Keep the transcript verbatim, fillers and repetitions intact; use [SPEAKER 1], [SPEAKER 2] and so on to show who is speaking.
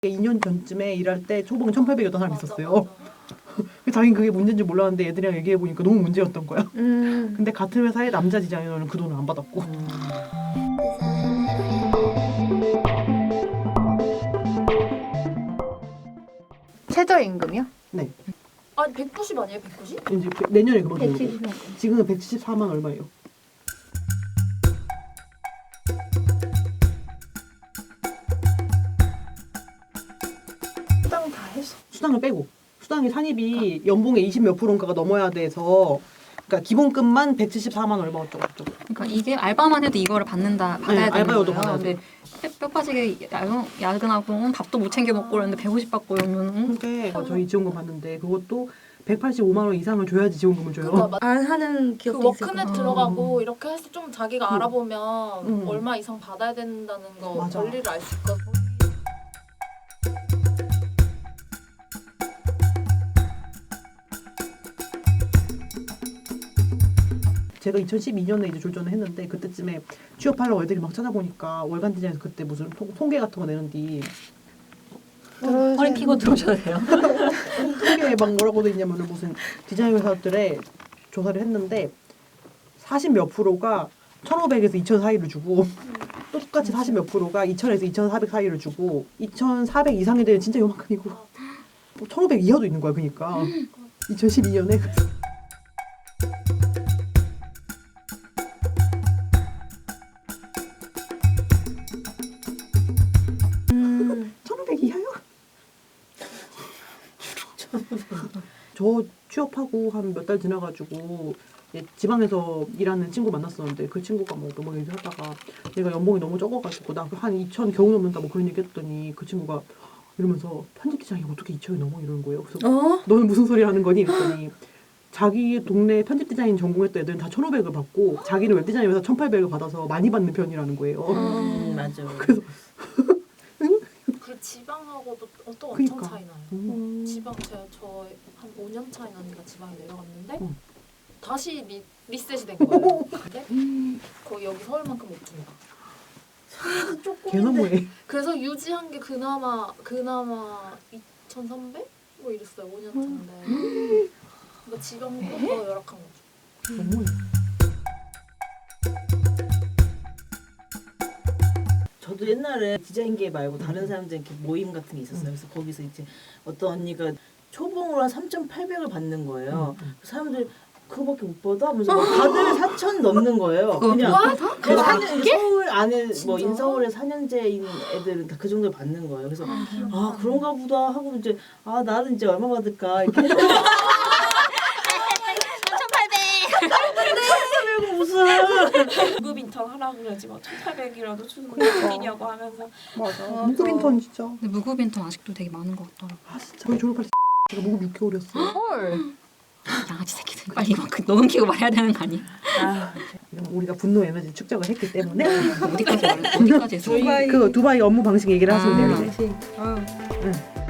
[SPEAKER 1] 이 년 전쯤에 일할 때 초봉 천팔백이었던 사람이
[SPEAKER 2] 맞아,
[SPEAKER 1] 있었어요.
[SPEAKER 2] 맞아.
[SPEAKER 1] 자기는 그게 문제인지 몰랐는데 애들이랑 얘기해보니까 너무 문제였던 거야.
[SPEAKER 3] 음.
[SPEAKER 1] 근데 같은 회사의 남자 디자이너는 그 돈을 안 받았고.
[SPEAKER 3] 최저임금이요?
[SPEAKER 1] 네.
[SPEAKER 2] 아니 백구십 아니에요? 백구십?
[SPEAKER 1] 이제 그- 내년에 그만두고.
[SPEAKER 3] 백칠십만.
[SPEAKER 1] 지금은 백칠십사만 얼마예요.
[SPEAKER 3] 수당 다 했어.
[SPEAKER 1] 수당을 빼고. 수당이 산입이 연봉의 이십 몇 프로인가가 넘어야 돼서 그러니까 기본급만 백칠십사만 얼마 어쩌고 저쩌고.
[SPEAKER 4] 그러니까 이게 알바만 해도 이거를 받는다 받아야
[SPEAKER 1] 네,
[SPEAKER 4] 되는
[SPEAKER 1] 알바여도
[SPEAKER 4] 거예요.
[SPEAKER 1] 받아야
[SPEAKER 4] 근데 뼈 빠지게 야근, 야근하고 응, 밥도 못 챙겨 먹고 그러는데 백오십 받고 이러면 응?
[SPEAKER 1] 그게 저희 지원금 받는데 그것도 백팔십오만 원 이상을 줘야지 지원금을 줘요.
[SPEAKER 2] 그러니까 막
[SPEAKER 3] 안 하는
[SPEAKER 2] 그
[SPEAKER 3] 기업도 있을
[SPEAKER 2] 워크넷
[SPEAKER 3] 거야.
[SPEAKER 2] 들어가고 이렇게 해서 좀 자기가
[SPEAKER 1] 음.
[SPEAKER 2] 알아보면
[SPEAKER 1] 음.
[SPEAKER 2] 얼마 이상 받아야 된다는 거
[SPEAKER 1] 맞아.
[SPEAKER 2] 권리를 알 수 있거든.
[SPEAKER 1] 제가 이천십이 년에 이제 졸전을 했는데 그때쯤에 취업하려고 애들이 막 찾아보니까 월간 디자인에서 그때 무슨 통, 통계 같은 거 내는디
[SPEAKER 4] 허리 피고 들어오셔도 돼요.
[SPEAKER 1] 통계에 막 뭐라고 돼 있냐면은 무슨 디자인 회사들의 조사를 했는데 사십 몇 프로가 천오백에서 이천 사이를 주고 또 똑같이 사십 몇 프로가 이천에서 이천사백 사이를 주고 이천사백 이상이 되면 진짜 요만큼이고 뭐 천오백 이하도 있는 거야. 그러니까 이천십이 년에
[SPEAKER 3] 음.
[SPEAKER 1] 천오백 이하요? 저 취업하고 한 몇 달 지나가지고 이제 지방에서 일하는 친구 만났었는데 그 친구가 뭐 너무 얘기하다가 내가 연봉이 너무 적어가지고 나 한 이천 겨우 넘는다 뭐 그런 얘기했더니 그 친구가 이러면서 편집 기장이 어떻게 이천이 넘어 이러는 거예요. 그래서
[SPEAKER 3] 어?
[SPEAKER 1] 너는 무슨 소리 하는 거니? 그랬더니 자기 동네 편집 디자인 전공했던 애들은 다 천오백을 받고 자기는 웹 디자인 회사 천팔백을 받아서 많이 받는 편이라는 거예요.
[SPEAKER 3] 음,
[SPEAKER 5] 맞아.
[SPEAKER 1] 그래서
[SPEAKER 2] 그 지방하고도 또 엄청
[SPEAKER 1] 그니까.
[SPEAKER 2] 차이 나요.
[SPEAKER 1] 음.
[SPEAKER 2] 지방 제가 저 한 오 년 차이 나니까 지방에 내려갔는데
[SPEAKER 1] 음.
[SPEAKER 2] 다시 리, 리셋이 된 거예요. 근데 거의 여기 서울만큼 못 줍니다.
[SPEAKER 1] 개 너무해.
[SPEAKER 2] 그래서 유지한 게 그나마 그나마 이천삼백? 뭐 이랬어요. 오 년 차인데. 그러니까 지방보다 더 열악한 거죠.
[SPEAKER 1] 너무해.
[SPEAKER 5] 저도 옛날에 디자인계 말고 다른 사람들 이렇게 모임 같은 게 있었어요. 그래서 거기서 이제 어떤 언니가 초봉으로 한 삼천팔백을 받는 거예요. 그 사람들이 그거밖에 못 받아? 하면서 막 다들 사천 넘는 거예요. 그냥 그 사 년 서울 안에 뭐
[SPEAKER 2] 진짜?
[SPEAKER 5] 인서울에 사 년제인 애들은 다 그 정도 받는 거예요. 그래서 아 그런가 보다 하고 이제 아 나는 이제 얼마 받을까 이렇게
[SPEAKER 6] 무급 인턴 하라고 그러지 뭐 천팔백이라도 주는 거 어디냐고 하면서
[SPEAKER 1] 맞아. 무급 인턴 진짜.
[SPEAKER 4] 근데 무급 인턴 아직도 되게 많은 것 같더라고.
[SPEAKER 1] 아 진짜. 저희 졸업할 때 제가 무급 육 개월이었어.
[SPEAKER 3] 헐.
[SPEAKER 4] 양아치 새끼들 빨리 이만큼 녹음 키고 말해야 되는 거 아니야?
[SPEAKER 5] 아
[SPEAKER 1] 우리가 분노 에너지 축적을 했기 때문에
[SPEAKER 4] 어디까지 말- 어디까지 했어?
[SPEAKER 3] 두바이.
[SPEAKER 1] 그 두바이 업무 방식 얘기를 하시면 돼요 이제.
[SPEAKER 3] 아유.
[SPEAKER 1] 응.